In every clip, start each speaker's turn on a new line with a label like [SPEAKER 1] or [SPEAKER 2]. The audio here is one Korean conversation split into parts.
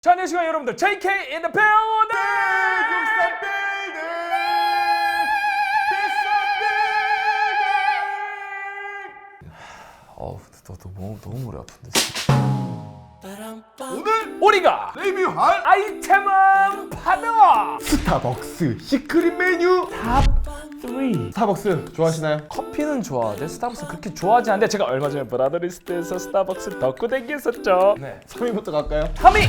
[SPEAKER 1] 자, 안녕하십니까 여러분들, JK in the building! 너무 머리 아픈데.
[SPEAKER 2] 오늘
[SPEAKER 1] 우리가
[SPEAKER 2] 리뷰할
[SPEAKER 1] 아이템은 바로
[SPEAKER 2] 스타벅스 시크릿 메뉴
[SPEAKER 1] 탑3.
[SPEAKER 2] 스타벅스 좋아하시나요?
[SPEAKER 1] 커피는 좋아하는데 스타벅스 그렇게 좋아하지 않는데, 제가 얼마 전에 브라더리스트에서 스타벅스 덕후 댕겼었죠. 네.
[SPEAKER 2] 3위부터 갈까요?
[SPEAKER 1] 3위!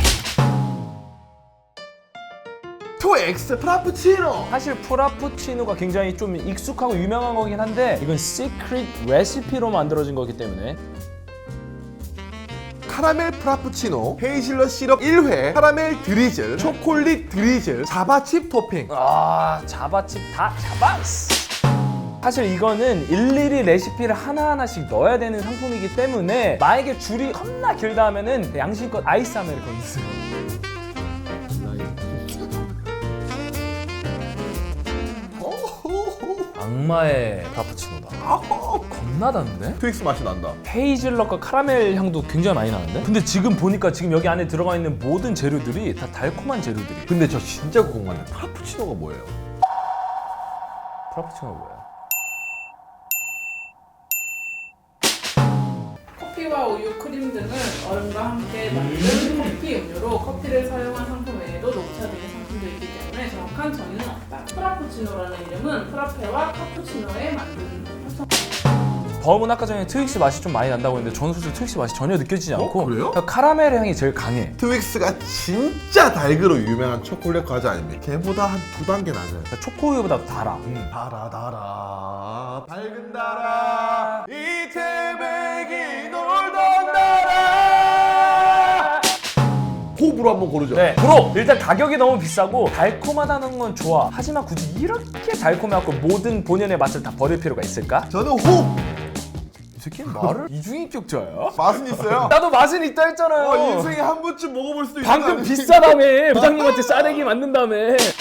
[SPEAKER 2] 2X 프라푸치노.
[SPEAKER 1] 사실 프라푸치노가 굉장히 좀 익숙하고 유명한 거긴 한데, 이건 시크릿 레시피로 만들어진 거기 때문에
[SPEAKER 2] 카라멜 프라푸치노, 헤이즐넛 시럽 1회, 카라멜 드리즐, 초콜릿 드리즐, 자바칩 토핑.
[SPEAKER 1] 자바칩 다 자바스. 사실 이거는 일일이 레시피를 하나하나씩 넣어야 되는 상품이기 때문에, 만약에 줄이 겁나 길다 하면은 양심껏 아이스 아메리카노 있어요. 악마의 프라푸치노다. 겁나 단데?
[SPEAKER 2] 트윅스 맛이 난다.
[SPEAKER 1] 헤이즐넛과 카라멜 향도 굉장히 많이 나는데? 근데 지금 보니까 지금 여기 안에 들어가 있는 모든 재료들이 다 달콤한 재료들이.
[SPEAKER 2] 근데 저 진짜 궁금한데 프라푸치노가 뭐예요?
[SPEAKER 1] 프라푸치노가 뭐야?
[SPEAKER 3] 커피와 우유, 크림 등을 얼음과 함께 만든 커피 음료로 커피를 사용한 상품 외에도 녹차 등의 상품도 있기 때문에 정확한 정의는 없다. 프라푸치노라는 이름은 프라페와 카푸치노에 만든 합성.
[SPEAKER 1] 범은 아까 전에 트윅스 맛이 좀 많이 난다고 했는데, 저는 솔직히 트윅스 맛이 전혀 느껴지지 않고
[SPEAKER 2] 그래요?
[SPEAKER 1] 그냥 카라멜 향이 제일 강해.
[SPEAKER 2] 트윅스가 진짜 달그로 유명한 초콜릿 과자 아닙니까? 걔보다 한 2단계 낮아요.
[SPEAKER 1] 그러니까 초코우유보다 더 달아.
[SPEAKER 2] 달아 밝은 달아 이 태백이 놀던 달아. 호불호 한번 고르죠.
[SPEAKER 1] 네, 프로! 일단 가격이 너무 비싸고 달콤하다는 건 좋아. 하지만 굳이 이렇게 달콤해갖고 모든 본연의 맛을 다 버릴 필요가 있을까?
[SPEAKER 2] 저는 호!
[SPEAKER 1] 이 새끼는 말을 이중인격자야?
[SPEAKER 2] 맛은 있어요.
[SPEAKER 1] 나도 맛은 있다 했잖아요.
[SPEAKER 2] 인생에 한 번쯤 먹어볼 수도 있는
[SPEAKER 1] 방금
[SPEAKER 2] 거
[SPEAKER 1] 비싸다며. 부장님한테 싸대기 맞는다며.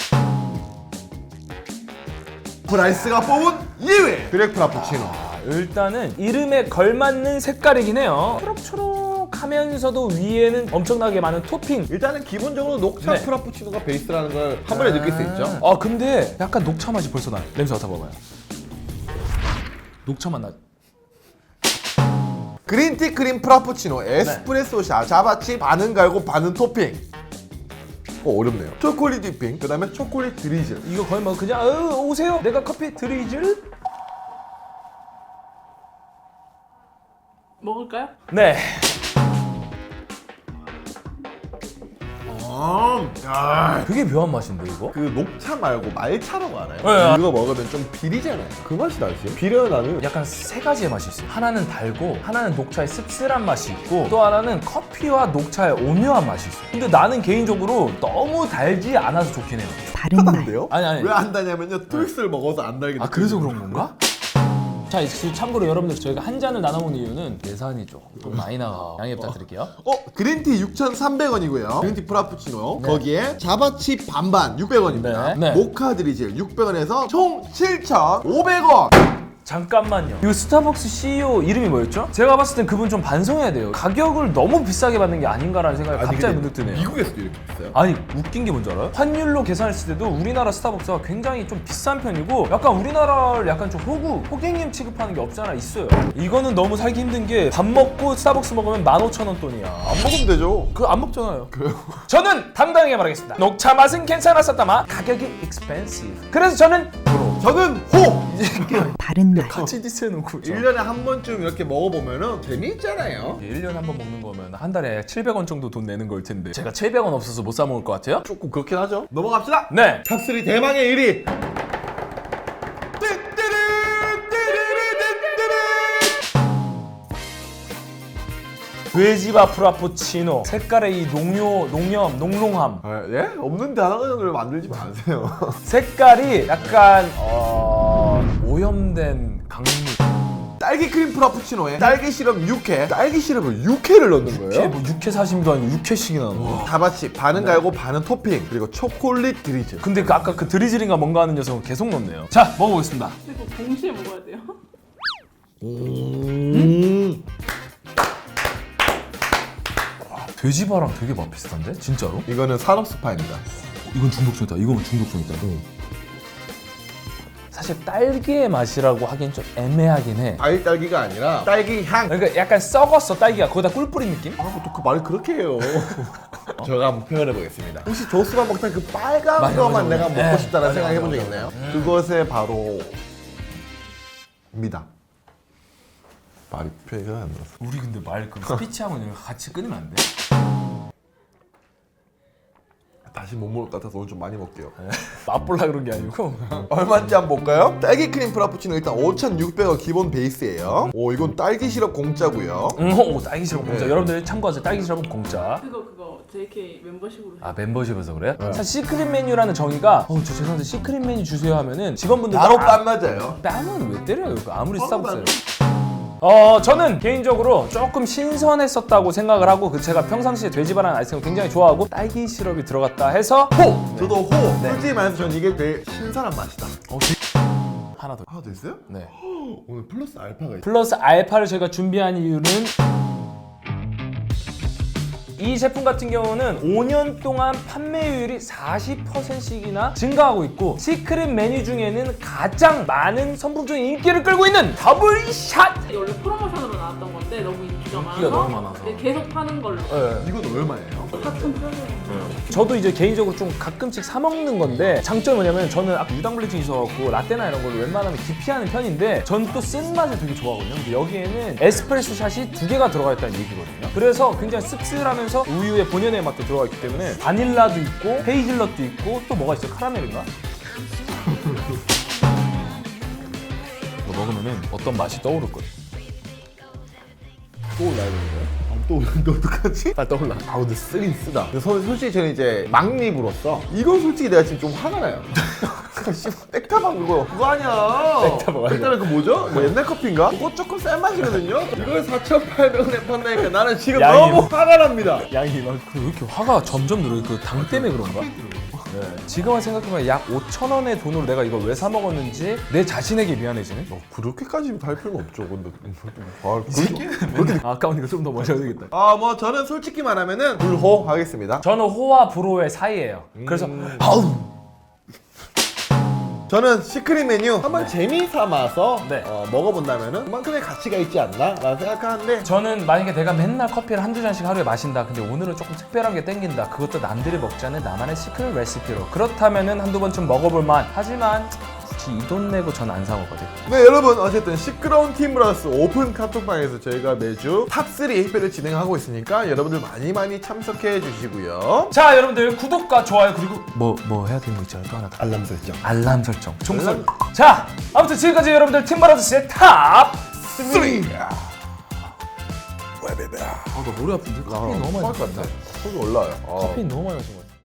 [SPEAKER 2] 브라이스가 뽑은 2위 드랙 프라푸치노.
[SPEAKER 1] 일단은 이름에 걸맞는 색깔이긴 해요. 초록초록하면서도 위에는 엄청나게 많은 토핑.
[SPEAKER 2] 일단은 기본적으로 녹차
[SPEAKER 1] 네.
[SPEAKER 2] 프라푸치노가 베이스라는 걸 한 번에 느낄 수 있죠.
[SPEAKER 1] 아, 근데 약간 녹차 맛이 벌써 나. 냄새 맡아봐봐요. 녹차 맛 나.
[SPEAKER 2] 그린티 크림 프라푸치노, 에스프레소 샷, 자바칩 반은 갈고 반은 토핑. 어렵네요. 초콜릿 디핑, 그 다음에 초콜릿 드리즐.
[SPEAKER 1] 이거 거의 뭐 그냥 오세요. 내가 커피 드리즐?
[SPEAKER 3] 먹을까요?
[SPEAKER 1] 네. 되게 묘한 맛인데 이거?
[SPEAKER 2] 그 녹차 말고 말차라고 알아요?
[SPEAKER 1] 네.
[SPEAKER 2] 이거 먹으면 좀 비리잖아요. 그 맛이 나지? 비려야 나는.
[SPEAKER 1] 약간 세 가지의 맛이 있어요. 하나는 달고, 하나는 녹차의 씁쓸한 맛이 있고, 또 하나는 커피와 녹차의 오묘한 맛이 있어요. 근데 나는 개인적으로 너무 달지 않아서 좋긴 해요.
[SPEAKER 2] 하다는데요?
[SPEAKER 1] 아니.
[SPEAKER 2] 왜 안 다냐면요. 트윅스를 먹어서 안 달게.
[SPEAKER 1] 아, 그래서 그런 건가? 자, 참고로 여러분들, 저희가 한 잔을 나눠 먹는 이유는 예산이 조금 많이 나가. 양해 부탁드릴게요.
[SPEAKER 2] 그린티 6,300원이고요. 그린티 프라푸치노.
[SPEAKER 1] 네.
[SPEAKER 2] 거기에 자바칩 반반 600원입니다.
[SPEAKER 1] 네.
[SPEAKER 2] 모카 드리즐 600원에서 총 7,500원.
[SPEAKER 1] 잠깐만요. 이거 스타벅스 CEO 이름이 뭐였죠? 제가 봤을 땐 그분 좀 반성해야 돼요. 가격을 너무 비싸게 받는 게 아닌가라는 생각이 갑자기 문득 드네요.
[SPEAKER 2] 미국에서도 이렇게 있어요?
[SPEAKER 1] 아니, 웃긴 게 뭔지 알아요? 환율로 계산했을 때도 우리나라 스타벅스가 굉장히 좀 비싼 편이고, 약간 우리나라를 약간 좀 호갱님 취급하는 게 없잖아 있어요. 이거는 너무 살기 힘든 게, 밥 먹고 스타벅스 먹으면 15,000원 돈이야.
[SPEAKER 2] 안 먹으면 되죠.
[SPEAKER 1] 그거 안 먹잖아요. 저는 당당하게 말하겠습니다. 녹차 맛은 괜찮았었다만 가격이 expensive. 그래서 저는
[SPEAKER 2] 저는 호!
[SPEAKER 4] 바른 말.
[SPEAKER 1] 같이 디스해놓고
[SPEAKER 2] 1년에 한 번쯤 이렇게 먹어보면은 재미있잖아요.
[SPEAKER 1] 1년에 한 번 먹는 거면 한 달에 700원 정도 돈 내는 걸 텐데, 제가 700원 없어서 못 사 먹을 것 같아요?
[SPEAKER 2] 조금 그렇긴 하죠. 넘어갑시다.
[SPEAKER 1] 네.
[SPEAKER 2] 탑3 대망의 1위.
[SPEAKER 1] 돼지바 프라푸치노. 색깔의 이 농롱함.
[SPEAKER 2] 예? 없는 단어를 만들지 마세요.
[SPEAKER 1] 색깔이 약간 오염된 강물.
[SPEAKER 2] 딸기 크림 프라푸치노에 딸기 시럽 6회, 딸기 시럽을 6회를 넣는
[SPEAKER 1] 이게
[SPEAKER 2] 거예요.
[SPEAKER 1] 뭐 6회 사심도 아니고 6회씩이나 넣는 거.
[SPEAKER 2] 자바칩 반은 갈고 반은 토핑, 그리고 초콜릿 드리즐.
[SPEAKER 1] 근데 그 아까 그 드리즐인가 뭔가 하는 녀석은 계속 넣네요. 자, 먹어보겠습니다.
[SPEAKER 3] 그리고 동시에 먹어야 돼요.
[SPEAKER 1] 돼지바랑 되게 맛 비슷한데? 진짜로?
[SPEAKER 2] 이거는 산업 스파입니다.
[SPEAKER 1] 이건 중독성이다. 이건 중독성이다. 사실 딸기의 맛이라고 하긴 좀 애매하긴 해.
[SPEAKER 2] 과일 딸기가 아니라 딸기 향.
[SPEAKER 1] 그러니까 약간 썩었어 딸기가. 거기다 꿀 뿌린 느낌?
[SPEAKER 2] 아, 또 그 말을 그렇게 해요. 제가 한번 표현해 보겠습니다. 혹시 조스만 먹던 그 빨간
[SPEAKER 1] 맞아,
[SPEAKER 2] 거만
[SPEAKER 1] 맞아,
[SPEAKER 2] 내가
[SPEAKER 1] 맞아.
[SPEAKER 2] 먹고
[SPEAKER 1] 네.
[SPEAKER 2] 싶다는
[SPEAKER 1] 맞아,
[SPEAKER 2] 생각 해본
[SPEAKER 1] 맞아,
[SPEAKER 2] 적
[SPEAKER 1] 맞아.
[SPEAKER 2] 있나요? 그것에 바로 입니다. 말이 표현이 안 나서.
[SPEAKER 1] 우리 근데 말 그 스피치하고 이런 거 같이 끊으면 안 돼?
[SPEAKER 2] 다시 못 먹을 것 같아서 오늘 좀 많이 먹게요.
[SPEAKER 1] 맛볼라 그런 게 아니고.
[SPEAKER 2] 얼마인지 한번 볼까요? 딸기 크림 프라푸치노 일단 5,600원 기본 베이스예요. 오, 이건 딸기 시럽 공짜고요.
[SPEAKER 1] 오, 딸기 시럽 공짜.
[SPEAKER 2] 네.
[SPEAKER 1] 여러분들 참고하세요. 딸기 시럽은 공짜.
[SPEAKER 3] 그거 JK 멤버십으로
[SPEAKER 1] 아 멤버십에서 그래? 사실 시크릿 메뉴라는 정의가 저 죄송한데 시크릿 메뉴 주세요 하면은 직원분들
[SPEAKER 2] 바로 땀 맞아요.
[SPEAKER 1] 뺨은 왜 때려요? 그 아무리
[SPEAKER 2] 바로
[SPEAKER 1] 스타벅스예요. 저는 개인적으로 조금 신선했었다고 생각을 하고 제가 평상시에 돼지바랑 아이스크림 굉장히 좋아하고 딸기 시럽이 들어갔다 해서 호!
[SPEAKER 2] 저도 호! 솔직히 말해서 저는 이게 제일 신선한 맛이다.
[SPEAKER 1] 하나 더.
[SPEAKER 2] 하나 더 있어요?
[SPEAKER 1] 네.
[SPEAKER 2] 오늘 플러스 알파가 있어요.
[SPEAKER 1] 플러스 알파를 저희가 준비한 이유는 이 제품 같은 경우는 5년 동안 판매율이 40%씩이나 증가하고 있고 시크릿 메뉴 중에는 가장 많은 선풍적인 인기를 끌고 있는 더블샷!
[SPEAKER 3] 이게 원래 프로모션으로 나왔던 건데 너무 인기가
[SPEAKER 1] 인기가 너무 많아서.
[SPEAKER 3] 네, 계속 파는 걸로
[SPEAKER 2] 이건 얼마예요?
[SPEAKER 3] 4,800원.
[SPEAKER 1] 저도 이제 개인적으로 좀 가끔씩 사 먹는 건데 장점이 뭐냐면 저는 아까 유당불내증이 있어갖고 라떼나 이런 걸 웬만하면 기피하는 편인데 전 또 쓴맛을 되게 좋아하거든요. 근데 여기에는 에스프레소 샷이 2개가 들어가 있다는 얘기거든요. 그래서 굉장히 씁쓸하면서 우유의 본연의 맛도 들어가 있기 때문에 바닐라도 있고 헤이즐넛도 있고 또 뭐가 있어요? 카라멜인가? 이거 먹으면은 어떤 맛이 떠오를 거예요.
[SPEAKER 2] 또 올라야 되는 거예요? 또 어떡하지?
[SPEAKER 1] 빨리 떠올라.
[SPEAKER 2] 아 근데 쓰긴 쓰다. 근데 솔직히 저는 이제 막립으로서 이건 솔직히 내가 지금 좀 화가 나요. 백타방 그거 아니야.
[SPEAKER 1] 백타방 아니야.
[SPEAKER 2] 백타방 그 뭐죠? 뭐 옛날 커피인가? 그거 조금 싼 맛이거든요. 이걸 4,800원에 판다니까 나는 지금
[SPEAKER 1] 양이
[SPEAKER 2] 너무
[SPEAKER 1] 뭐-
[SPEAKER 2] 화가 납니다.
[SPEAKER 1] 양이 막 왜 이렇게 화가 점점 늘어요? 그 당 때문에 그런가? 네. 지금은 생각해보면 약 5,000원의 돈으로 내가 이걸 왜 사 먹었는지 내 자신에게 미안해지네.
[SPEAKER 2] 그렇게까지 할 필요는 없죠. 근데
[SPEAKER 1] 그렇게 아까우니까 좀 더 마셔야 되겠다.
[SPEAKER 2] 뭐 저는 솔직히 말하면은 불호 하겠습니다.
[SPEAKER 1] 저는 호와 불호의 사이예요. 그래서 아우
[SPEAKER 2] 저는 시크릿 메뉴 한번 재미 삼아서
[SPEAKER 1] 네.
[SPEAKER 2] 먹어본다면은 그만큼의 가치가 있지 않나 라는 생각하는데
[SPEAKER 1] 저는 만약에 내가 맨날 커피를 한두 잔씩 하루에 마신다. 근데 오늘은 조금 특별한 게 땡긴다. 그것도 남들이 먹지 않는 나만의 시크릿 레시피로. 그렇다면은 한두 번쯤 먹어볼 만. 하지만 굳이 이 돈 내고 전 안 사 먹거든.
[SPEAKER 2] 네 여러분 어쨌든 시끄러운 팀브라스 오픈 카톡방에서 저희가 매주 탑3 회를 진행하고 있으니까 여러분들 많이 참석해 주시고요.
[SPEAKER 1] 자 여러분들 구독과 좋아요 그리고 뭐 해야 되는 거 있잖아요. 또 하나 더.
[SPEAKER 2] 알람 설정.
[SPEAKER 1] 알람 설정. 총선. 자 아무튼 지금까지 여러분들 팀브라더스의 탑
[SPEAKER 2] 3.
[SPEAKER 1] 나 머리 아픈데? 커피 너무 많이
[SPEAKER 2] 것 같아. 속이 올라와요.
[SPEAKER 1] 커피 너무 많이 마신 것 같아.